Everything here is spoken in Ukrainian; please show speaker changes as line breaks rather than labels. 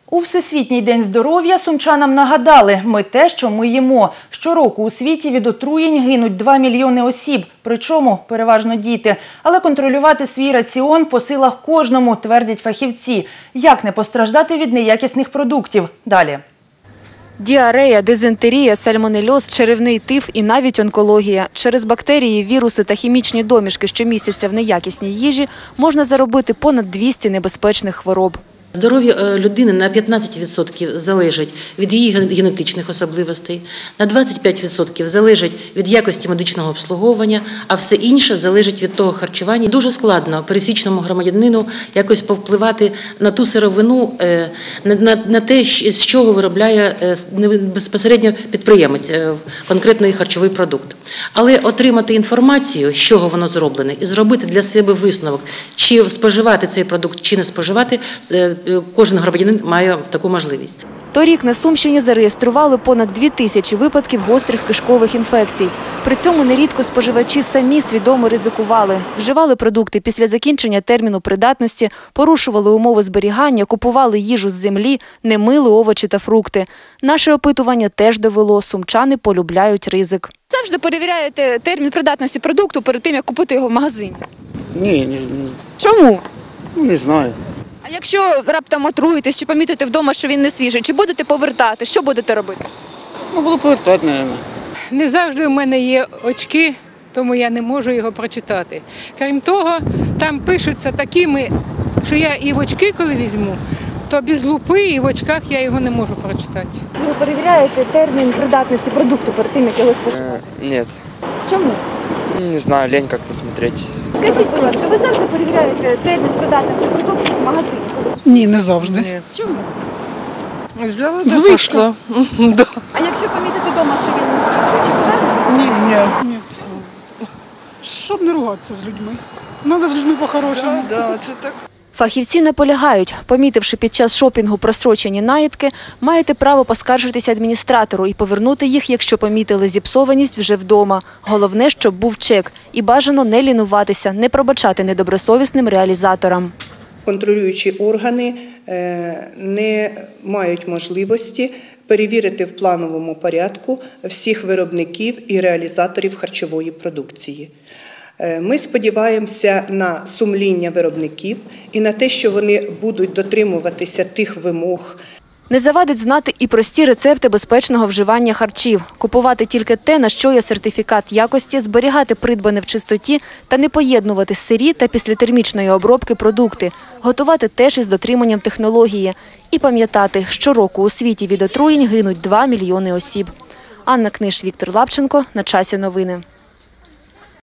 У Всесвітній день здоров'я сумчанам нагадали – ми те, що ми їмо. Щороку у світі від отруєнь гинуть 2 мільйони осіб, причому переважно діти. Але контролювати свій раціон по силах кожному, твердять фахівці. Як не постраждати від неякісних продуктів? Далі.
Діарея, дизентерія, сальмонельоз, черевний тиф і навіть онкологія. Через бактерії, віруси та хімічні домішки, що містяться в неякісній їжі, можна заробити понад 200 небезпечних хвороб.
Здоров'я людини на 15% залежить від її генетичних особливостей, на 25% залежить від якості медичного обслуговування, а все інше залежить від того харчування. Дуже складно пересічному громадянину якось повпливати на ту сировину, на те, з чого виробляє безпосередньо підприємець конкретний харчовий продукт. Але отримати інформацію, з чого воно зроблене, і зробити для себе висновок, чи споживати цей продукт, чи не споживати, кожен громадянин має таку можливість.
Торік на Сумщині зареєстрували понад 2000 випадків гострих кишкових інфекцій. При цьому нерідко споживачі самі свідомо ризикували. Вживали продукти після закінчення терміну придатності, порушували умови зберігання, купували їжу з землі, не мили овочі та фрукти. Наше опитування теж довело – сумчани полюбляють ризик.
Завжди перевіряєте термін придатності продукту перед тим, як купити його в магазині?
Ні.
Чому?
Не знаю.
А якщо раптом отруїтесь чи помітите вдома, що він не свіжий, чи будете повертати? Що будете робити?
Буду повертати, мабуть.
Не завжди в мене є очки, тому я не можу його прочитати. Крім того, там пишуться такими, що я і в очки, коли візьму, то без лупи і в очках я його не можу прочитати.
Ви перевіряєте термін придатності продукту перед тим, як його споживати?
Нет.
Чому?
Не знаю, лень как-то смотреть.
Скажіть, будь ласка, ви завжди перевіряєте термін придатності продукту в магазині?
Ні, не завжди.
Чому?
Звично.
А якщо помітите вдома, що він не свіжий, чи повернете?
Ні. Щоб не ругатися з людьми. Треба з людьми по-хорошому.
Це так.
Фахівці наполягають, помітивши під час шопінгу прострочені наїдки, маєте право поскаржитися адміністратору і повернути їх, якщо помітили зіпсованість вже вдома. Головне, щоб був чек. І бажано не лінуватися, не пробачати недобросовісним реалізаторам.
Контролюючі органи не мають можливості перевірити в плановому порядку всіх виробників і реалізаторів харчової продукції. Ми сподіваємося на сумління виробників і на те, що вони будуть дотримуватися тих вимог.
Не завадить знати і прості рецепти безпечного вживання харчів. Купувати тільки те, на що є сертифікат якості, зберігати придбане в чистоті та не поєднувати сирі та післятермічної обробки продукти. Готувати теж із дотриманням технології. І пам'ятати, щороку у світі від отруєнь гинуть 2 мільйони осіб. Анна Книж, Віктор Лапченко. На часі новини.